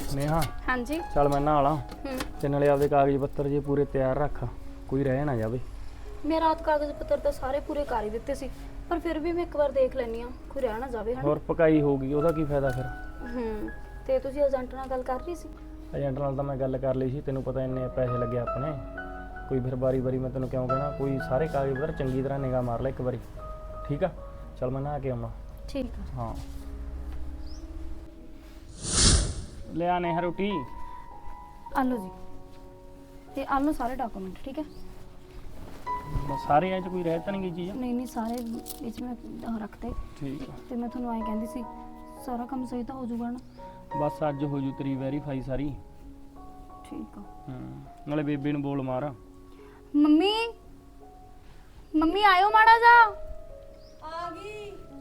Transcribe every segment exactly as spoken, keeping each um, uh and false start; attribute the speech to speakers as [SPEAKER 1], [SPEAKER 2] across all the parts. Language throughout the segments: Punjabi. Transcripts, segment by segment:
[SPEAKER 1] नेहा
[SPEAKER 2] हाँ जी।
[SPEAKER 1] चल मैं नहा ला ते नाले आपदे कागज पत्तर जे पूरे तैयार रख, कोई रह ना जावे।
[SPEAKER 2] मैं रात कागज पत्र तो सारे पूरे कर ही दिते सी, पर फिर भी मैं एक बार देख लैनी हां कोई रह ना जावे हन।
[SPEAKER 1] और पकाई होगी ओदा की फायदा फिर।
[SPEAKER 2] हम्म ते तुसी एजेंट नाल गल कर रही सी?
[SPEAKER 1] एजेंट नाल तां मैं गल कर ली सी, तैनूं पता इन्ने पैसे लगे अपने, कोई फिर बारी बारी मैं तैनूं क्यों कहना, कोई सारे कागज पत्तर चंगी तरह निगाह मार ले एक बारी, ठीक आ? चल मैं नहा के आउणा।
[SPEAKER 2] ठीक है।
[SPEAKER 1] हाँ ले आ नेहा रोटी।
[SPEAKER 2] आलो जी, ते आलो सारे डॉक्यूमेंट, ठीक है?
[SPEAKER 1] बस सारे ऐ च कोई रह तां नहीं गई चीज़?
[SPEAKER 2] नहीं नहीं सारे विच में रखते।
[SPEAKER 1] ठीक है।
[SPEAKER 2] ते मैं तुहानूं ऐ कहंदी सी सारा काम सही तो हो जाऊगा ना?
[SPEAKER 1] बस अज हो जू तेरी वेरीफाई सारी।
[SPEAKER 2] ठीक है।
[SPEAKER 1] हम्म नाले बेबे नूं बोल मार।
[SPEAKER 2] मम्मी मम्मी आयो माड़ा जा।
[SPEAKER 3] आ गई।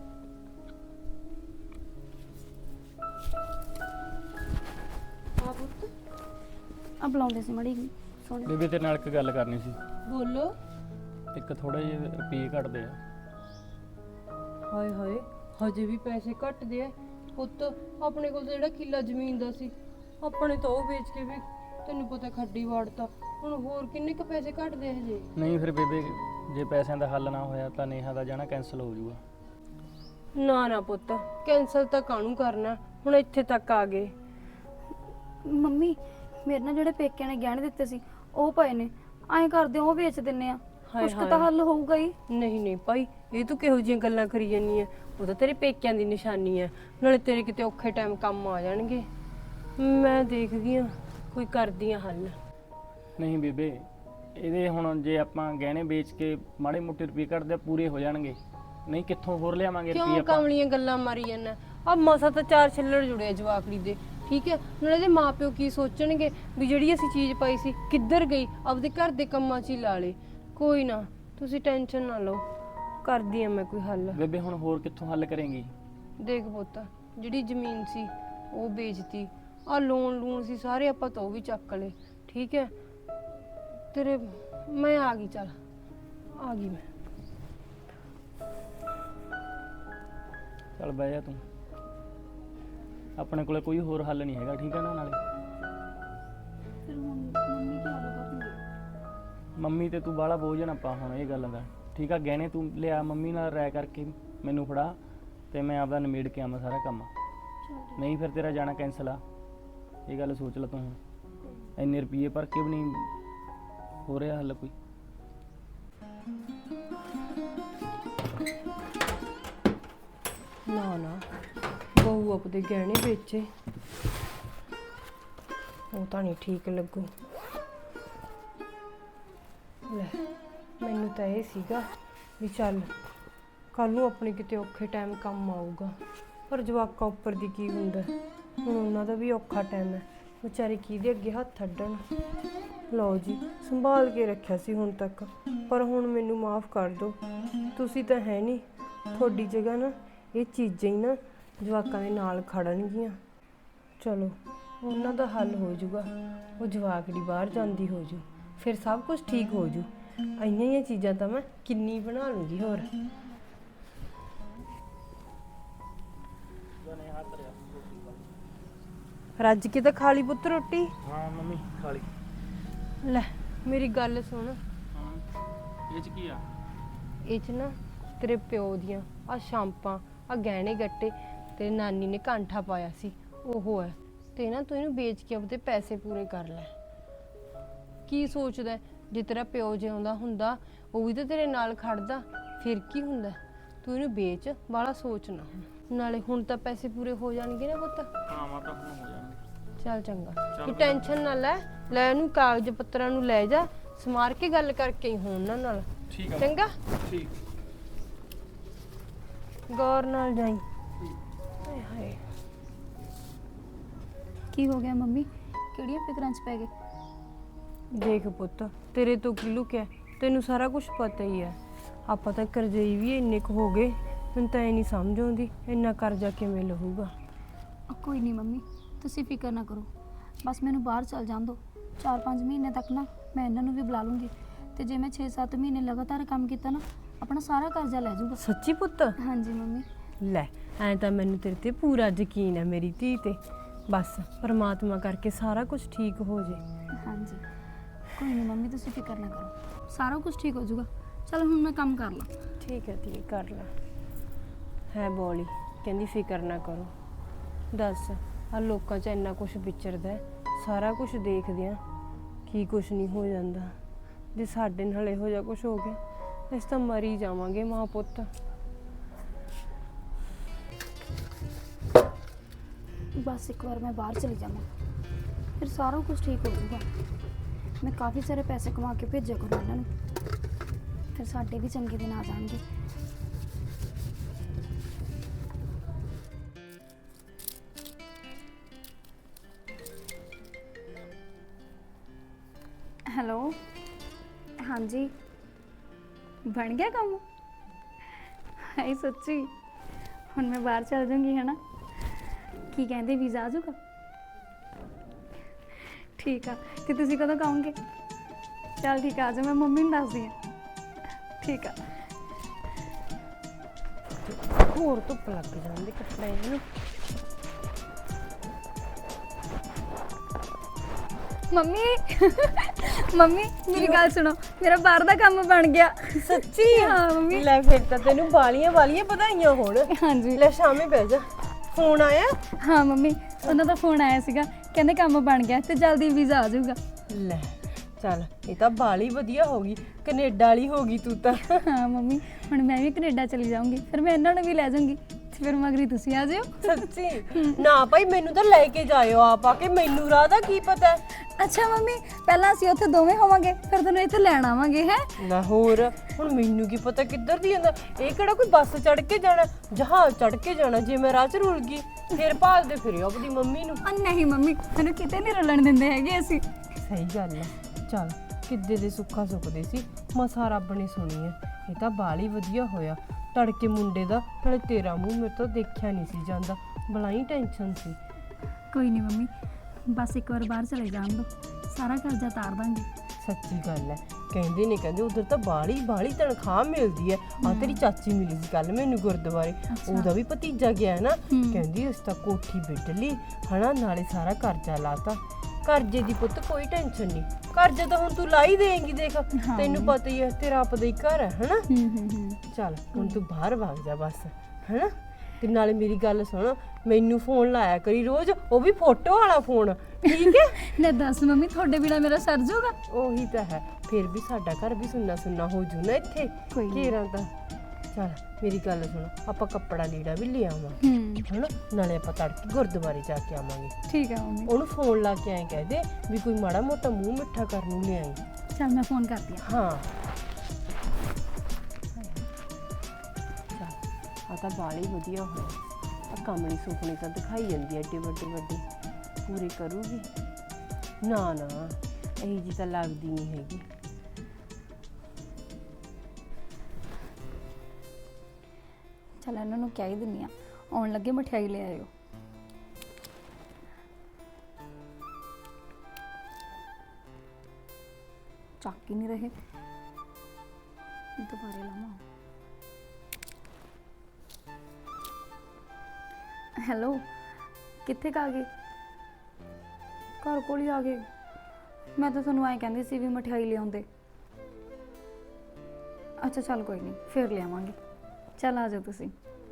[SPEAKER 3] आ पुੱਤ
[SPEAKER 2] अब बुलाਉਂਦੇ ਸੀ ਮੜੀ ਸੋਹਣੀ।
[SPEAKER 1] बेबे तेरे नाल एक गल करनी सी।
[SPEAKER 3] ਬੋਲੋ।
[SPEAKER 1] एक थोड़े जे रुपये घटदे आ।
[SPEAKER 3] ਹਾਏ ਹਾਏ ਹਜੇ ਵੀ ਪੈਸੇ ਘਟਦੇ ਆ ਪੁੱਤ। ਆਪਣੇ ਕੋਲ ਤਾਂ ਜਿਹੜਾ ਕਿੱਲਾ ਜ਼ਮੀਨ ਦਾ ਸੀ ਆਪਣੇ ਤਾਂ ਉਹ ਵੇਚ ਕੇ ਵੀ ਤੈਨੂੰ ਪਤਾ ਖੱਡੀ ਵਾੜਤਾ। ਹੁਣ ਹੋਰ ਕਿੰਨੇ ਕ ਪੈਸੇ ਘਟਦੇ ਹਜੇ?
[SPEAKER 1] नहीं फिर बेबे जे पैसों का हल ना होया तो नेहा का जाना कैंसल हो जाऊगा।
[SPEAKER 3] ਨਾ ਨਾ ਪੁੱਤ ਕੈਂਸਲ ਤਾਂ ਕਾਹਨੂੰ ਕਰਨਾ, ਹੁਣ ਇੱਥੇ ਤੱਕ ਆ ਗਏ।
[SPEAKER 2] ਮੰਮੀ ਮੇਰੇ ਨਾਲ ਜਿਹੜੇ ਪੇਕਿਆਂ ਨੇ ਗਹਿਣੇ ਦਿੱਤੇ ਸੀ ਉਹ ਪਏ ਨੇ, ਐਂ ਕਰਦੇ ਉਹ ਵੇਚ ਦਿੰਨੇ ਆ, ਕੁਛ ਕੁ ਤਾਂ ਹੱਲ ਹੋਊਗਾ ਹੀ।
[SPEAKER 3] ਨਹੀਂ ਨਹੀਂ ਭਾਈ ਇਹ ਤੂੰ ਕਿਹੋ ਜਿਹੀਆਂ ਗੱਲਾਂ ਕਰੀ ਜਾਂਦੀ ਐ? ਉਹ ਤਾਂ ਤੇਰੇ ਪੇਕਿਆਂ ਦੀ ਨਿਸ਼ਾਨੀ ਐ, ਨਾਲੇ ਤੇਰੇ ਕਿਤੇ ਔਖੇ ਟਾਈਮ ਕੰਮ ਆ ਜਾਣਗੇ। ਮੈਂ ਦੇਖਦੀ ਆ ਕੋਈ ਕਰਦੀ ਆ ਹੱਲ।
[SPEAKER 1] नहीं बेबे ਇਹਦੇ ਹੁਣ ਜੇ ਆਪਾਂ ਗਹਿਣੇ ਵੇਚ ਕੇ ਮਾੜੇ ਮੋਟੇ ਰੁਪਏ ਕੱਢਦੇ ਪੂਰੇ ਹੋ ਜਾਣਗੇ, ਨਹੀਂ ਕਿੱਥੋਂ ਹੋਰ ਲਿਆਵਾਂਗੇ ਰੁਪਏ
[SPEAKER 3] ਕਿਉਂ
[SPEAKER 1] ਆਪਾਂ।
[SPEAKER 3] ਕਮਲੀਆਂ ਗੱਲਾਂ ਮਾਰੀ ਜਾਂਦਾ? ਆ ਮਸਾ ਤਾਂ ਚਾਰ ਛਿੱਲੜ ਜੁੜੇ ਜਵਾਕੜੀ ਦੇ, ਠੀਕ ਹੈ? ਨਾਲੇ ਇਹਦੇ ਮਾਪਿਓ ਕੀ ਸੋਚਣਗੇ ਵੀ ਜਿਹੜੀ ਅਸੀਂ ਚੀਜ਼ ਪਾਈ ਸੀ ਕਿੱਧਰ ਗਈ, ਆਪਦੇ ਘਰ ਦੇ ਕੰਮਾਂ 'ਚ ਹੀ ਲਾ ਲੇ। ਕੋਈ ਨਾ ਤੁਸੀਂ ਟੈਨਸ਼ਨ ਨਾ ਲਓ, ਕਰਦੀ ਆ ਮੈਂ ਕੋਈ ਹੱਲ।
[SPEAKER 1] ਬੇਬੇ ਹੁਣ ਹੋਰ ਕਿੱਥੋਂ ਹੱਲ ਕਰੇਂਗੀ?
[SPEAKER 3] ਦੇਖ ਪੁੱਤ ਜਿਹੜੀ ਜ਼ਮੀਨ ਸੀ ਉਹ ਵੇਚਤੀ, ਆ ਲੋਨ ਲੂਨ ਸੀ ਸਾਰੇ ਆਪਾਂ ਤਾਂ ਉਹ ਵੀ ਚੱਕ ਲਏ, ਠੀਕ ਹੈ? ਤੇਰੇ ਮੈਂ ਆ ਗਈ, ਚੱਲ ਆ ਗਈ ਮੈਂ।
[SPEAKER 1] ਚੱਲ ਬਹਿ ਜਾ ਤੂੰ, ਆਪਣੇ ਕੋਲੇ ਕੋਈ ਹੋਰ ਹੱਲ ਨਹੀਂ ਹੈਗਾ, ਠੀਕ ਹੈ ਨਾ? ਨਾਲੇ
[SPEAKER 2] ਫਿਰ ਹੁਣ ਮੰਮੀ ਕੀ ਹੱਲ ਕਰਨਗੇ?
[SPEAKER 1] ਮੰਮੀ ਤੇ ਤੂੰ ਬਾਹਲਾ ਬੋਝ ਨਾ ਪਾ ਹੁਣ ਇਹ ਗੱਲ ਦਾ, ਠੀਕ ਆ? ਗਹਿਣੇ ਤੂੰ ਲਿਆ ਮੰਮੀ ਨਾਲ ਰਾਇ ਕਰਕੇ ਮੈਨੂੰ ਫੜਾ ਤੇ ਮੈਂ ਆਪਦਾ ਨਿਮੇੜ ਕੇ ਆਵਾਂ ਸਾਰਾ ਕੰਮ, ਨਹੀਂ ਫਿਰ ਤੇਰਾ ਜਾਣਾ ਕੈਂਸਲ ਆ। ਇਹ ਗੱਲ ਸੋਚ ਲੈ ਤੂੰ, ਹੁਣ ਇੰਨੇ ਰੁਪਏ ਭਰ ਕੇ ਵੀ ਨਹੀਂ ਹੋ ਰਿਹਾ ਹੱਲ ਕੋਈ।
[SPEAKER 3] ਨਾ ਨਾ ਬਹੂ ਆਪਦੇ ਗਹਿਣੇ ਵੇਚੇ, ਉਹ ਤਾਂ ਨਹੀਂ ਠੀਕ ਲੱਗੂ। ਲੈ ਮੈਨੂੰ ਤਾਂ ਇਹ ਸੀਗਾ ਵੀ ਚੱਲ ਕੱਲ ਨੂੰ ਆਪਣੇ ਕਿਤੇ ਔਖੇ ਟਾਈਮ ਕੰਮ ਆਊਗਾ, ਪਰ ਜਵਾਕਾਂ ਉੱਪਰ ਦੀ ਕੀ ਹੁੰਦਾ, ਹੁਣ ਉਹਨਾਂ ਦਾ ਵੀ ਔਖਾ ਟਾਈਮ ਹੈ, ਵਿਚਾਰੇ ਕਿਹਦੇ ਅੱਗੇ ਹੱਥ ਅੱਡਣ। ਲਓ ਜੀ ਸੰਭਾਲ ਕੇ ਰੱਖਿਆ ਸੀ ਹੁਣ ਤੱਕ, ਪਰ ਹੁਣ ਮੈਨੂੰ ਮਾਫ ਕਰ ਦਿਓ, ਤੁਸੀਂ ਤਾਂ ਹੈ ਨਹੀਂ, ਤੁਹਾਡੀ ਜਗ੍ਹਾ ਨਾ ਇਹ ਚੀਜ਼ਾਂ ਹੀ ਨਾ ਜਵਾਕਾਂ ਦੇ ਨਾਲ ਖੜਨਗੀਆਂ। ਚਲੋ ਉਹਨਾਂ ਦਾ ਹੱਲ ਹੋ ਜਾਊਗਾ, ਉਹ ਜਵਾਕੜੀ ਬਾਹਰ ਜਾਂਦੀ ਹੋ ਜੂ, ਫਿਰ ਸਭ ਕੁਝ ਠੀਕ ਹੋ ਜੂ। ਇੰਨੀਆਂ ਹੀ ਚੀਜ਼ਾਂ ਤਾਂ ਮੈਂ ਕਿੰਨੀ ਬਣਾ ਲੂੰਗੀ ਹੋਰ। ਰੱਜ ਕੇ ਤਾਂ ਖਾ ਲਈ ਪੁੱਤ ਰੋਟੀ।
[SPEAKER 1] ਹਾਂ ਮੰਮੀ ਖਾ ਲਈ।
[SPEAKER 3] ਲੈ ਮੇਰੀ ਗੱਲ ਸੁਣ,
[SPEAKER 1] ਹਾਂ ਇਹ ਚ ਕੀ ਆ?
[SPEAKER 3] ਇਹ 'ਚ ਨਾ ਤੇਰੇ ਪਿਓ ਦੀਆਂ ਆ ਸ਼ਾਂਪਾਂ, ਆ ਗਹਿਣੇ ਗੱਟੇ ਤੇ ਨਾਨੀ ਨੇ ਕਾਂਠਾ ਪਾਇਆ ਸੀ ਉਹ ਹੈ, ਤੇ ਨਾ ਤੂੰ ਇਹਨੂੰ ਵੇਚ ਕੇ ਆਪਦੇ ਪੈਸੇ ਪੂਰੇ ਕਰ ਲੈ। ਕੀ ਸੋਚਦਾ ਜੇ ਤੇਰਾ ਪਿਓ ਜਿਉਂਦਾ ਹੁੰਦਾ ਉਹ ਵੀ ਤਾਂ ਤੇਰੇ ਨਾਲ ਖੜਦਾ, ਫਿਰ ਕੀ ਹੁੰਦਾ? ਤੂੰ ਇਹਨੂੰ ਵੇਚ, ਬਾਹਲਾ ਸੋਚ ਨਾ ਹੁਣ, ਨਾਲੇ ਹੁਣ ਤਾਂ ਪੈਸੇ ਪੂਰੇ ਹੋ ਜਾਣਗੇ ਨਾ ਪੁੱਤ।
[SPEAKER 1] ਹਾਂ ਮਾਤਾ ਹੁਣ ਹੋ ਜਾਣਗੇ।
[SPEAKER 3] ਚੱਲ ਚੰਗਾ, ਤੂੰ ਟੈਨਸ਼ਨ ਨਾ ਲੈ, ਲੈ ਇਹਨੂੰ ਕਾਗਜ਼ ਪੱਤਰਾਂ ਨੂੰ ਲੈ ਜਾ, ਸਮਾਰ ਕੇ ਗੱਲ ਕਰਕੇ ਹੀ ਹੋਣ ਉਹਨਾਂ ਨਾਲ,
[SPEAKER 1] ਠੀਕ ਆ
[SPEAKER 3] ਚੰਗਾ?
[SPEAKER 1] ਠੀਕ।
[SPEAKER 3] ਗੌਰ ਨਾਲ ਜਾਈ। ਹਾਏ ਹਾਏ
[SPEAKER 2] ਕੀ ਹੋ ਗਿਆ ਮੰਮੀ, ਕਿਹੜੀਆਂ ਫਿਕਰਾਂ 'ਚ ਪੈ ਗਏ?
[SPEAKER 3] ਦੇਖ ਪੁੱਤ ਤੇਰੇ ਤੋਂ ਕੀ ਲੁਕਿਆ, ਤੈਨੂੰ ਸਾਰਾ ਕੁਝ ਪਤਾ ਹੀ ਹੈ। ਆਪਾਂ ਤਾਂ ਕਰਜ਼ਈ ਵੀ ਇੰਨੇ ਕੁ ਹੋ ਗਏ, ਮੈਨੂੰ ਤਾਂ ਇਹ ਨਹੀਂ ਸਮਝ ਆਉਂਦੀ ਇੰਨਾ ਕਰਜ਼ਾ ਕਿਵੇਂ ਲਹੂਗਾ।
[SPEAKER 2] ਕੋਈ ਨਹੀਂ ਮੰਮੀ ਤੁਸੀਂ ਫਿਕਰ ਨਾ ਕਰੋ, ਬਸ ਮੈਨੂੰ ਬਾਹਰ ਚੱਲ ਜਾਣ ਦਿਓ, ਚਾਰ ਪੰਜ ਮਹੀਨੇ ਤੱਕ ਨਾ ਮੈਂ ਇਹਨਾਂ ਨੂੰ ਵੀ ਬੁਲਾ ਲੂੰਗੀ, ਤੇ ਜੇ ਮੈਂ ਛੇ ਸੱਤ ਮਹੀਨੇ ਲਗਾਤਾਰ ਕੰਮ ਕੀਤਾ ਨਾ ਆਪਣਾ ਸਾਰਾ ਕਰਜ਼ਾ ਲੈ ਜਾਊਗਾ।
[SPEAKER 3] ਸੱਚੀ ਪੁੱਤ?
[SPEAKER 2] ਹਾਂਜੀ ਮੰਮੀ।
[SPEAKER 3] ਲੈ ਐਂ ਤਾਂ ਮੈਨੂੰ ਤੇਰੇ ਤੇ ਪੂਰਾ ਯਕੀਨ ਹੈ ਮੇਰੀ ਧੀ ਤੇ, ਬਸ ਪਰਮਾਤਮਾ ਕਰਕੇ ਸਾਰਾ ਕੁਝ ਠੀਕ ਹੋ ਜੇ।
[SPEAKER 2] ਹਾਂਜੀ ਕੋਈ ਨਹੀਂ ਮੰਮੀ, ਤੁਸੀਂ ਫਿਕਰ ਨਾ ਕਰੋ, ਸਾਰਾ ਕੁਝ ਠੀਕ ਹੋ ਜਾਊਗਾ। ਚਲ ਹੁਣ ਮੈਂ ਕੰਮ ਕਰ ਲਾਂ।
[SPEAKER 3] ਠੀਕ ਹੈ ਧੀਏ, ਕਰ ਲੈ। ਹੈ ਬੋਲੀ ਕਹਿੰਦੀ ਫਿਕਰ ਨਾ ਕਰੋ। ਦੱਸ ਆ ਲੋਕਾਂ 'ਚ ਇੰਨਾ ਕੁਝ ਵਿਚਰਦਾ ਹੈ, ਸਾਰਾ ਕੁਝ ਦੇਖਦੇ ਆ, ਕੀ ਕੁਝ ਨਹੀਂ ਹੋ ਜਾਂਦਾ। ਜੇ ਸਾਡੇ ਨਾਲ ਇਹੋ ਜਿਹਾ ਕੁਝ ਹੋ ਗਿਆ ਅਸੀਂ ਤਾਂ ਮਰ ਹੀ ਜਾਵਾਂਗੇ ਮਾਂ ਪੁੱਤ।
[SPEAKER 2] ਬਸ ਇੱਕ ਵਾਰ ਮੈਂ ਬਾਹਰ ਚਲੀ ਜਾਵਾਂ, ਫਿਰ ਸਾਰਾ ਕੁਝ ਠੀਕ ਹੋ ਜਾਊਗਾ। ਮੈਂ ਕਾਫੀ ਸਾਰੇ ਪੈਸੇ ਕਮਾ ਕੇ ਭੇਜਿਆ ਕਰੂੰ ਇਹਨਾਂ ਨੂੰ, ਫਿਰ ਸਾਡੇ ਵੀ ਚੰਗੇ ਦਿਨ ਆ ਜਾਣਗੇ। ਹੈਲੋ, ਹਾਂਜੀ ਬਣ ਗਿਆ ਕੰਮ? ਹਾਏ ਸੱਚੀ, ਹੁਣ ਮੈਂ ਬਾਹਰ ਚਲ ਜਾਊਂਗੀ ਹੈ ਨਾ। ਕੀ ਕਹਿੰਦੇ ਵੀਜ਼ਾ ਆ ਜਾਊਗਾ? ਠੀਕ ਆ, ਤੇ ਤੁਸੀਂ ਕਦੋਂ ਕਹੋਗੇ? ਚਲ ਠੀਕ ਆ, ਆ ਜਾਓ, ਮੈਂ ਮੰਮੀ ਨੂੰ ਦੱਸਦੀ ਹਾਂ। ਠੀਕ ਆ।
[SPEAKER 3] ਹੋਰ ਧੁੱਪ ਲੱਗ ਜਾਂਦੀ ਕੱਪੜੇ ਨੂੰ।
[SPEAKER 2] ਮੰਮੀ ਮੰਮੀ ਮੇਰੀ ਗੱਲ ਸੁਣੋ, ਮੇਰਾ ਬਾਹਰ ਦਾ ਕੰਮ ਬਣ ਗਿਆ।
[SPEAKER 3] ਸੱਚੀ?
[SPEAKER 2] ਹਾਂ ਮੰਮੀ।
[SPEAKER 3] ਲੈ ਫਿਰ ਤਾਂ ਤੈਨੂੰ ਬਾਲੀਆਂ ਵਾਲੀਆਂ ਵਧਾਈਆਂ ਹੋਣ।
[SPEAKER 2] ਹਾਂਜੀ
[SPEAKER 3] ਲੈ ਸ਼ਾਮੇ ਬਹਿ ਜਾ। ਫੋਨ ਆਇਆ?
[SPEAKER 2] ਹਾਂ ਮੰਮੀ, ਉਹਨਾਂ ਦਾ ਫੋਨ ਆਇਆ ਸੀਗਾ, ਕਹਿੰਦੇ ਕੰਮ ਬਣ ਗਿਆ ਤੇ ਜਲਦੀ ਵੀਜ਼ਾ ਆ ਜਾਊਗਾ।
[SPEAKER 3] ਲੈ ਚੱਲ, ਇਹ ਤਾਂ ਬਾਲੀ ਵਧੀਆ ਹੋ ਗਈ, ਕੈਨੇਡਾ ਵਾਲੀ ਹੋ ਗਈ ਤੂੰ ਤਾਂ।
[SPEAKER 2] ਹਾਂ ਮੰਮੀ, ਹੁਣ ਮੈਂ ਵੀ ਕੈਨੇਡਾ ਚਲੀ ਜਾਊਂਗੀ, ਫਿਰ ਮੈਂ ਇਹਨਾਂ ਨੂੰ ਵੀ ਲੈ ਜਾਊਂਗੀ, ਤੇ ਫਿਰ ਮਗਰੀ ਤੁਸੀਂ ਆ ਜਿਓ।
[SPEAKER 3] ਸੱਚੀ? ਨਾ ਭਾਈ, ਮੈਨੂੰ ਤਾਂ ਲੈ ਕੇ ਜਾਇਓ ਆਪ ਆ ਕੇ, ਮੈਨੂੰ ਰਾਹ ਦਾ ਕੀ ਪਤਾ।
[SPEAKER 2] ਅੱਛਾ ਮੰਮੀ, ਪਹਿਲਾਂ ਅਸੀਂ ਉੱਥੇ ਦੋਵੇਂ ਹੋਵਾਂਗੇ, ਫਿਰ ਤੁਹਾਨੂੰ ਇੱਥੇ ਲੈਣ ਆਵਾਂਗੇ। ਹੈ
[SPEAKER 3] ਨਾ ਹੋਰ, ਹੁਣ ਮੈਨੂੰ ਕੀ ਪਤਾ ਕਿੱਧਰ ਦੀ ਜਾਂਦਾ। ਇਹ ਕਿਹੜਾ ਕੋਈ ਬੱਸ ਚੜ ਕੇ ਜਾਣਾ, ਜਹਾਜ਼ ਚੜ ਕੇ ਜਾਣਾ। ਜੇ ਮੈਂ ਰਾਹ 'ਚ ਰੁਲ ਗਈ ਫਿਰ ਭਾਲਦੇ ਫਿਰਿਓ ਆਪਣੀ ਮੰਮੀ ਨੂੰ।
[SPEAKER 2] ਨਹੀਂ ਮੰਮੀ, ਮੈਨੂੰ ਕਿਤੇ ਨਹੀਂ ਰੁਲਣ ਦਿੰਦੇ ਹੈਗੇ ਅਸੀਂ।
[SPEAKER 3] ਸਹੀ ਗੱਲ ਹੈ। ਚੱਲ, ਕਿੱਦੇ ਦੇ ਸੁੱਖਾ ਸੁੱਖਦੇ ਸੀ, ਮਸਾ ਰੱਬ ਨੇ ਸੁਣੀ ਹੈ। ਇਹ ਤਾਂ ਬਾਲੀ ਵਧੀਆ ਹੋਇਆ, ਤੜਕੇ ਮੁੰਡੇ ਦਾ, ਨਾਲੇ ਤੇਰਾ ਮੂੰਹ ਮੇਰੇ ਤੋਂ ਦੇਖਿਆ ਨਹੀਂ ਸੀ ਜਾਂਦਾ, ਬਲਾਈ ਟੈਨਸ਼ਨ ਸੀ।
[SPEAKER 2] ਕੋਈ ਨਹੀਂ ਮੰਮੀ, ਬਸ ਇੱਕ ਵਾਰ ਬਾਹਰ ਚਲੇ ਜਾਣ ਦੋ, ਸਾਰਾ ਕਰਜ਼ਾ ਤਾਰ ਦਾਂਗੇ।
[SPEAKER 3] ਸੱਚੀ ਗੱਲ ਹੈ, ਕਹਿੰਦੇ ਨੇ ਕਹਿੰਦੇ ਉਧਰ ਤਾਂ ਬਾਲੀ ਬਾਲੀ ਤਨਖਾਹ ਮਿਲਦੀ ਹੈ। ਆ ਤੇਰੀ ਚਾਚੀ ਮਿਲੀ ਸੀ ਕੱਲ ਮੈਨੂੰ ਗੁਰਦੁਆਰੇ, ਉਹਦਾ ਵੀ ਭਤੀਜਾ ਗਿਆ ਹੈ ਨਾ, ਕਹਿੰਦੀ ਉਸ ਤਾਂ ਕੋਠੀ ਬਿੱਟ ਲਈ ਹਨਾ, ਨਾਲੇ ਸਾਰਾ ਕਰਜ਼ਾ ਲਾਤਾ। ਕਰਜ਼ੇ ਦੀ ਪੁੱਤ ਕੋਈ ਟੈਨਸ਼ਨ ਨਹੀਂ, ਕਰਜ਼ਾ ਤਾਂ ਹੁਣ ਤੂੰ ਲਾ ਹੀ ਦੇਂਗੀ। ਦੇਖ ਤੈਨੂੰ ਪਤਾ ਹੀ ਹੈ, ਤੇਰਾ ਆਪਦਾ ਹੀ ਘਰ ਹੈ ਹਨਾ। ਚੱਲ ਹੁਣ ਤੂੰ ਬਾਹਰ ਵਗ ਜਾ ਬਸ, ਹਨਾ। ਤੇ ਨਾਲੇ ਮੇਰੀ ਗੱਲ ਸੁਣ, ਮੈਨੂੰ ਫੋਨ ਲਾਇਆ ਕਰੀ ਰੋਜ਼, ਉਹ ਵੀ ਫੋਟੋ ਵਾਲਾ ਫੋਨ, ਠੀਕ ਹੈ?
[SPEAKER 2] ਲੈ ਦੱਸ ਮੰਮੀ, ਤੁਹਾਡੇ ਬਿਨਾ ਮੇਰਾ ਸਰ ਜਾਊਗਾ?
[SPEAKER 3] ਉਹੀ ਤਾਂ ਹੈ, ਫਿਰ ਵੀ ਸਾਡਾ ਘਰ ਵੀ ਸੁੰਨਾ ਸੁੰਨਾ ਹੋ ਜੂ ਨਾ ਇੱਥੇ ਘੇਰਾਂ ਤਾਂ। ਚੱਲ ਮੇਰੀ ਗੱਲ ਸੁਣ, ਆਪਾਂ ਕੱਪੜਾ ਲੀੜਾ ਵੀ ਲੈ ਆਵਾਂਗੇ ਹਨਾ, ਨਾਲੇ ਆਪਾਂ ਤੜਕੇ ਗੁਰਦੁਆਰੇ ਜਾ ਕੇ ਆਵਾਂਗੇ।
[SPEAKER 2] ਠੀਕ ਹੈ ਮੰਮੀ।
[SPEAKER 3] ਉਹਨੂੰ ਫੋਨ ਲਾ ਕੇ ਐਂ ਕਹਿ ਦੇ ਵੀ ਕੋਈ ਮਾੜਾ ਮੋਟਾ ਮੂੰਹ ਮਿੱਠਾ ਕਰਨ ਨੂੰ ਲਿਆਈ।
[SPEAKER 2] ਚੱਲ ਮੈਂ ਫੋਨ ਕਰਦੀ ਹਾਂ।
[SPEAKER 3] ਹਾਂ ਆ ਤਾਂ ਬਾਲੀ ਵਧੀਆ ਹੋਇਆ। ਆ ਕਮਲੀ ਸੁਪਨੇ ਤਾਂ ਦਿਖਾਈ ਜਾਂਦੀ ਐ ਏਡੇ ਵੱਡੇ ਵੱਡੇ, ਪੂਰੇ ਕਰੂਗੀ? ਨਾ ਨਾ, ਇਹੀ ਜੀ ਤਾਂ ਲੱਗਦੀ ਨਹੀਂ ਹੈਗੀ।
[SPEAKER 2] ਚੱਲ ਇਹਨਾਂ ਨੂੰ ਕਹਿ ਹੀ ਦਿੰਨੀ ਆ, ਆਉਣ ਲੱਗੇ ਮਠਿਆਈ ਲੈ ਆਇਓ। ਚੱਕ ਹੀ ਨਹੀਂ ਰਹੇ, ਦੁਬਾਰੇ ਲਾਵਾਂ। ਹੈਲੋ, ਕਿੱਥੇ ਕਾ ਗਏ? ਘਰ ਕੋਲ ਹੀ ਆ ਗਏ। ਮੈਂ ਤਾਂ ਤੁਹਾਨੂੰ ਐਂ ਕਹਿੰਦੀ ਸੀ ਵੀ ਮਠਿਆਈ ਲਿਆਉਂਦੇ। ਅੱਛਾ ਚੱਲ ਕੋਈ ਨਹੀਂ, ਫਿਰ ਲਿਆਵਾਂਗੇ। ਚੱਲ ਆ ਜਾਓ ਤੁਸੀਂ।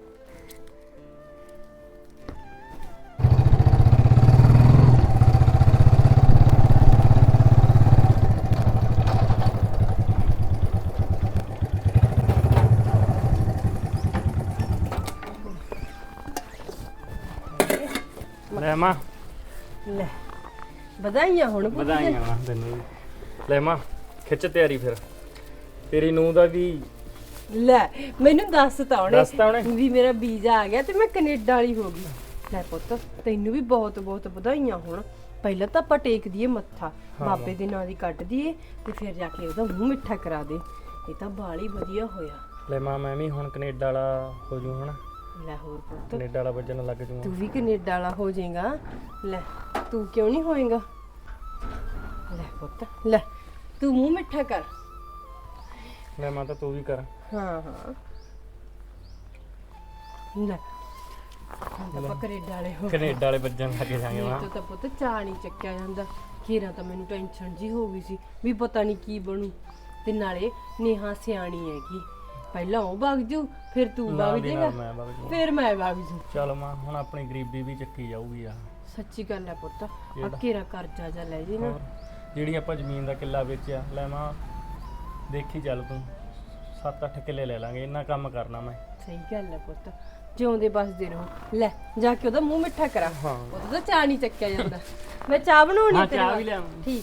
[SPEAKER 1] ਲੈ ਮਾਂ,
[SPEAKER 3] ਲੈ ਵਧਾਈਆਂ ਹੁਣ।
[SPEAKER 1] ਵਧਾਈਆਂ ਮਾਂ ਤੈਨੂੰ ਵੀ। ਲੈ ਮਾਂ, ਖਿੱਚ ਤਿਆਰੀ ਫਿਰ, ਤੇਰੀ ਨੂੰਹ ਦਾ ਵੀ।
[SPEAKER 3] ਲੈ ਮੈਨੂੰ ਦੱਸਤਾ ਉਹਨੇ
[SPEAKER 1] ਦੱਸਤਾ ਉਹਨੇ
[SPEAKER 3] ਵੀ ਮੇਰਾ ਵੀਜ਼ਾ ਆ ਗਿਆ ਤੇ ਮੈਂ ਕੈਨੇਡਾ ਵਾਲੀ ਹੋ ਗਈ। ਲੈ ਪੁੱਤ, ਤੈਨੂੰ ਵੀ ਬਹੁਤ ਬਹੁਤ ਵਧਾਈਆਂ ਹੋਣ। ਪਹਿਲਾਂ ਤਾਂ ਆਪਾਂ ਟੇਕ ਦਈਏ ਮੱਥਾ, ਬਾਬੇ ਦੇ ਨਾਂ ਦੀ ਕੱਢ ਦਈਏ, ਤੇ ਫਿਰ ਜਾ ਕੇ ਉਹਦਾ ਮੂੰਹ ਮਿੱਠਾ ਕਰਾ ਦੇ। ਇਹ ਤਾਂ ਬਾਲੀ ਵਧੀਆ ਹੋਇਆ।
[SPEAKER 1] ਲੈ ਮਾਂ, ਮੈਂ ਵੀ ਹੁਣ ਕੈਨੇਡਾ ਵਾਲਾ ਹੋ ਜੂ ਹਨਾ।
[SPEAKER 3] ਲੈ ਹੋਰ ਪੁੱਤ,
[SPEAKER 1] ਕੈਨੇਡਾ ਵਾਲਾ ਵੱਜਣ ਲੱਗ ਜੂਗਾ।
[SPEAKER 3] ਤੂੰ ਵੀ ਕੈਨੇਡਾ ਵਾਲਾ ਹੋ ਜਾਏਗਾ। ਲੈ ਤੂੰ ਕਿਉਂ ਨਹੀਂ ਹੋਏਗਾ? ਲੈ ਪੁੱਤ, ਲੈ ਤੂੰ ਮੂੰਹ ਮਿੱਠਾ ਕਰ।
[SPEAKER 1] ਲੈ ਮਾਂ, ਤਾਂ ਤੂੰ ਵੀ ਕਰ।
[SPEAKER 3] ਹਾਂ ਹਾਂ ਲੈ ਤਾਂ ਆਪਾਂ ਕੈਨੇਡਾ ਵਾਲੇ ਹੋ
[SPEAKER 1] ਕੈਨੇਡਾ ਵਾਲੇ ਬੱਜਾਂ ਖਾ ਕੇ ਜਾਵਾਂਗੇ
[SPEAKER 3] ਮੇਰੇ ਤੋਂ ਤਾਂ ਪੁੱਤ ਚਾਹ ਨਹੀਂ ਚੱਕਿਆ ਜਾਂਦਾ ਖੀਰਾ ਤਾਂ ਮੈਨੂੰ ਟੈਨਸ਼ਨ ਜੀ ਹੋ ਗਈ ਸੀ ਵੀ ਪਤਾ ਨਹੀਂ ਕੀ ਬਣੂ ਤੇ ਨਾਲੇ ਨੇਹਾ ਸਿਆਣੀ ਹੈਗੀ ਪਹਿਲਾਂ ਉਹ ਵਗ ਜੂ ਫਿਰ ਤੂੰ
[SPEAKER 1] ਨਾਲ
[SPEAKER 3] ਵਗ
[SPEAKER 1] ਦੀ
[SPEAKER 3] ਜਾਏਗਾ
[SPEAKER 1] ਨਾਲ ਮੈਂ ਵਗ ਜਾਊਂ।
[SPEAKER 3] ਫਿਰ ਮੈਂ ਵਗ ਜੂ
[SPEAKER 1] ਚੱਲ ਮਾਂ ਹੁਣ ਆਪਣੀ ਗਰੀਬੀ ਵੀ ਚੱਕੀ ਜਾਊਗੀ ਆ
[SPEAKER 3] ਸੱਚੀ ਗੱਲ ਹੈ ਪੁੱਤ ਆ
[SPEAKER 1] ਕਿਹੜਾ?
[SPEAKER 3] ਘੇਰਾ ਕਰਜ਼ਾ ਜਾ ਲੈ ਜੀ ਨਾ
[SPEAKER 1] ਹੋਰ ਜਿਹੜੀ ਆਪਾਂ ਜ਼ਮੀਨ ਦਾ ਕਿੱਲਾ ਵੇਚਿਆ ਲੈ ਮਾਂ ਦੇਖੀ ਚੱਲ ਤੂੰ ਸੱਤ ਅੱਠ ਕਿੱਲੇ ਲੈ ਲਾਂਗੇ ਇੰਨਾ ਕੰਮ ਕਰਨਾ ਮੈਂ
[SPEAKER 3] ਸਹੀ ਗੱਲ ਹੈ ਪੁੱਤ ਜਿਉਂਦੇ ਬਸਦੇ ਰਹੋ ਲੈ ਜਾ ਕੇ ਉਹਦਾ ਮੂੰਹ ਮਿੱਠਾ ਕਰਾ
[SPEAKER 1] ਹਾਂ
[SPEAKER 3] ਉਹਦਾ ਤਾਂ ਚਾਹ ਨਹੀਂ ਚੱਕਿਆ ਜਾਂਦਾ ਮੈਂ ਚਾਹ ਬਣਾਉਣੀ
[SPEAKER 1] ਹਾਂ
[SPEAKER 3] ਤੇਰੇ
[SPEAKER 1] ਚਾਹ ਵੀ
[SPEAKER 3] ਵਾਸਤੇ।
[SPEAKER 1] ਲਿਆਵਾਂ
[SPEAKER 3] ਠੀਕ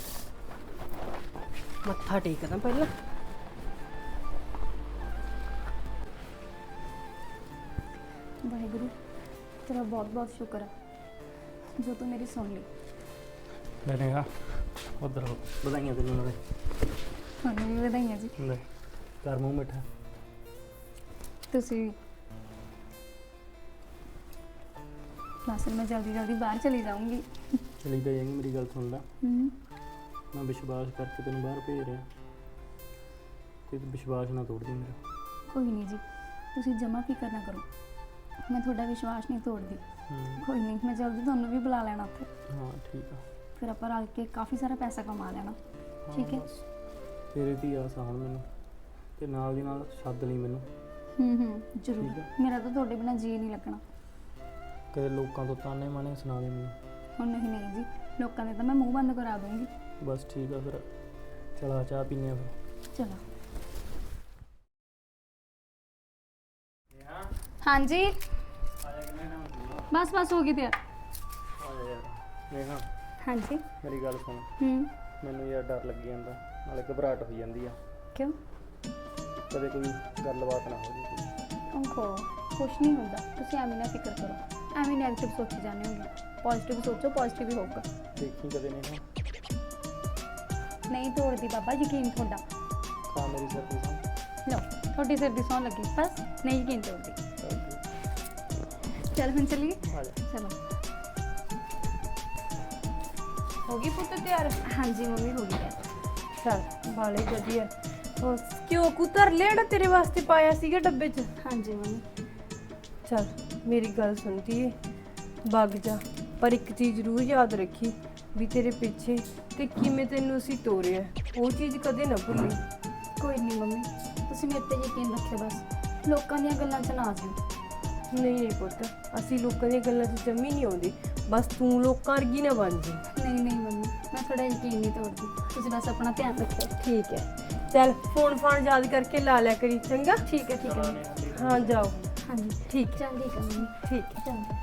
[SPEAKER 3] ਮੱਥਾ ਟੇਕਦਾ ਪਹਿਲਾਂ
[SPEAKER 2] ਵਾਹਿਗੁਰੂ ਤੇਰਾ ਬਹੁਤ ਬਹੁਤ ਸ਼ੁਕਰ ਹੈ ਜੋ ਤੂੰ ਮੇਰੀ ਸੁਣ ਲਈ।
[SPEAKER 1] ਲੈ ਨੇਹਾ ਉਧਰ ਹੋ ਵਧਾਈਆਂ ਤੈਨੂੰ ਨਾਲੇ
[SPEAKER 2] ਤੁਹਾਨੂੰ ਵੀ ਵਧਾਈਆਂ ਜੀ।
[SPEAKER 1] ਲੈ ਕਰ ਮੂੰਹ ਮਿੱਠਾ
[SPEAKER 2] ਤੁਸੀਂ ਬਸ ਮੈਂ ਜਲਦੀ ਜਲਦੀ ਬਾਹਰ ਚਲੀ ਜਾਊਂਗੀ।
[SPEAKER 1] ਚਲੀ ਤਾਂ ਜਾਏਗੀ ਮੇਰੀ ਗੱਲ ਸੁਣ ਲੈ
[SPEAKER 2] ਹੂੰ
[SPEAKER 1] ਮੈਂ ਵਿਸ਼ਵਾਸ ਕਰਕੇ ਤੈਨੂੰ ਬਾਹਰ ਭੇਜ ਰਿਹਾ ਤੇ ਤੂੰ ਵਿਸ਼ਵਾਸ ਨਾ ਤੋੜ ਦੇ ਮੇਰਾ
[SPEAKER 2] ਕੋਈ ਨਹੀਂ ਜੀ ਤੁਸੀਂ ਜਮਾ ਫਿਕਰ ਨਾ ਕਰੋ ਮੈਂ ਤੁਹਾਡਾ ਵਿਸ਼ਵਾਸ ਨਹੀਂ ਤੋੜਦੀ।
[SPEAKER 1] ਹੂੰ,
[SPEAKER 2] ਕੋਈ ਨਹੀਂ ਮੈਂ ਜਲਦੀ ਤੁਹਾਨੂੰ ਵੀ ਬੁਲਾ ਲੈਣਾ ਉੱਥੇ
[SPEAKER 1] ਹਾਂ ਠੀਕ ਆ
[SPEAKER 2] ਫਿਰ ਆਪਾਂ ਰਲ ਕੇ ਕਾਫੀ ਸਾਰਾ ਪੈਸਾ ਕਮਾ ਲੈਣਾ।
[SPEAKER 1] ਹਾਂ,
[SPEAKER 2] ਠੀਕ ਹੈ।
[SPEAKER 1] ਬਸ ਤੇਰੇ ਦੀ ਆਸ ਆ ਹੁਣ ਮੈਨੂੰ ਤੇ ਨਾਲ ਦੀ ਨਾਲ ਸੱਦ ਲਈ ਮੈਨੂੰ
[SPEAKER 2] ਹੂੰ ਹੂੰ ਜ਼ਰੂਰ
[SPEAKER 1] ਠੀਕ ਹੈ।
[SPEAKER 2] ਮੇਰਾ ਤਾਂ ਤੁਹਾਡੇ ਬਿਨਾਂ ਜੀ ਨਹੀਂ ਲੱਗਣਾ।
[SPEAKER 1] ਕਦੇ ਲੋਕਾਂ ਤੋਂ ਤਾਨੇ ਮਾਣੇ ਸੁਣਾ ਦੇ ਮੈਨੂੰ
[SPEAKER 2] ਹੁਣ ਨਹੀਂ ਨਹੀਂ ਜੀ ਲੋਕਾਂ ਦੇ ਤਾਂ ਮੈਂ ਮੂੰਹ ਬੰਦ ਕਰਾ ਦੂੰਗੀ।
[SPEAKER 1] ਬਸ ਠੀਕ ਆ ਫਿਰ ਚਲਾ ਚਾਹ ਪੀਨੇ ਆ ਫਿਰ
[SPEAKER 2] ਚਲੋ ਹਾਂਜੀ ਬਸ ਬਸ ਹੋ ਗਈ ਤਿਆਰ।
[SPEAKER 1] ਨੇਹਾ
[SPEAKER 2] ਹਾਂਜੀ
[SPEAKER 1] ਮੇਰੀ ਗੱਲ ਸੁਣ
[SPEAKER 2] ਹੂੰ
[SPEAKER 1] ਮੈਨੂੰ ਯਾਰ ਡਰ ਲੱਗੀ ਜਾਂਦਾ ਨਾਲੇ ਘਬਰਾਹਟ ਹੋਈ ਜਾਂਦੀ ਆ
[SPEAKER 2] ਕਿਉਂ
[SPEAKER 1] ਕਦੇ ਕੋਈ ਗੱਲਬਾਤ ਨਾ ਹੋ ਜੇ
[SPEAKER 2] ਓਹੋ ਕੁਛ ਨਹੀਂ ਹੁੰਦਾ ਤੁਸੀਂ ਐਵੇਂ ਨਾ ਫਿਕਰ ਕਰੋ ਐਵੇਂ ਨੈਗੇਟਿਵ ਸੋਚੀ ਜਾਂਦੇ ਹੋਗੇ ਪੋਜ਼ਿਟਿਵ ਸੋਚੋ ਪੋਜ਼ਿਟਿਵ ਹੀ ਹੋਊਗਾ।
[SPEAKER 1] ਦੇਖੀ ਕਦੇ ਨੇਹਾ
[SPEAKER 2] ਨਹੀਂ ਤੋੜਦੀ ਬਾਬਾ ਯਕੀਨ ਤੁਹਾਡਾ
[SPEAKER 1] ਖਾ ਮੇਰੀ ਸਰਦੀ ਤੋਂ
[SPEAKER 2] ਲਓ ਤੁਹਾਡੀ ਸਿਰ ਦੀ ਸੌਂ ਲੱਗੀ ਬਸ ਨਹੀਂ ਯਕੀਨ ਤੋੜਦੀ। ਚਲ ਹੁਣ ਚੱਲੀਏ
[SPEAKER 1] ਆ ਜਾ
[SPEAKER 2] ਚਲੋ
[SPEAKER 3] ਹੋ ਗਈ ਪੁੱਤ ਤਿਆਰ
[SPEAKER 2] ਹਾਂਜੀ ਮੰਮੀ ਹੋ ਗਈ ਹੈ।
[SPEAKER 3] ਚੱਲ ਬਾਲੇ ਵਧੀਆ ਉਹ ਕਿਉਂ ਕੁਤਰ ਲੈਣਾ ਤੇਰੇ ਵਾਸਤੇ ਪਾਇਆ ਸੀਗਾ ਡੱਬੇ 'ਚ
[SPEAKER 2] ਹਾਂਜੀ ਮੰਮੀ
[SPEAKER 3] ਚੱਲ ਮੇਰੀ ਗੱਲ ਸੁਣਦੀ ਏ ਵਗ ਜਾ ਪਰ ਇੱਕ ਚੀਜ਼ ਜ਼ਰੂਰ ਯਾਦ ਰੱਖੀ ਵੀ ਤੇਰੇ ਪਿੱਛੇ ਤੇ ਕਿਵੇਂ ਤੈਨੂੰ ਅਸੀਂ ਤੋਰਿਆ ਉਹ ਚੀਜ਼ ਕਦੇ ਨਾ ਭੁੱਲੀ।
[SPEAKER 2] ਕੋਈ ਨਹੀਂ ਮੰਮੀ ਤੁਸੀਂ ਮੇਰੇ ਤੇ ਯਕੀਨ ਰੱਖਿਓ ਬਸ ਲੋਕਾਂ ਦੀਆਂ ਗੱਲਾਂ 'ਚ ਨਾ ਆ ਜਾਓ।
[SPEAKER 3] ਨਹੀਂ ਨਹੀਂ ਪੁੱਤ ਅਸੀਂ ਲੋਕਾਂ ਦੀਆਂ ਗੱਲਾਂ 'ਚ ਜੰਮੀ ਨਹੀਂ ਆਉਂਦੀ ਬਸ ਤੂੰ ਲੋਕਾਂ ਵਰਗੀ ਨਾ ਬਣ ਜੀ।
[SPEAKER 2] ਨਹੀਂ ਨਹੀਂ ਮੰਮੀ ਮੈਂ ਤੁਹਾਡਾ ਯਕੀਨ ਨਹੀਂ ਤੋੜਦੀ ਤੁਸੀਂ ਬਸ ਆਪਣਾ ਧਿਆਨ ਰੱਖਿਓ।
[SPEAKER 3] ਠੀਕ ਹੈ ਚੱਲ ਫੋਨ ਫਾਨ ਯਾਦ ਕਰਕੇ ਲਾ ਲਿਆ ਕਰੀ ਚੰਗਾ
[SPEAKER 2] ਠੀਕ ਹੈ ਠੀਕ ਹੈ
[SPEAKER 3] ਹਾਂ ਜਾਓ
[SPEAKER 2] ਹਾਂਜੀ
[SPEAKER 3] ਠੀਕ
[SPEAKER 2] ਚੱਲ ਠੀਕ ਹੈ ਮੰਮੀ
[SPEAKER 3] ਠੀਕ ਹੈ
[SPEAKER 2] ਚੰਗਾ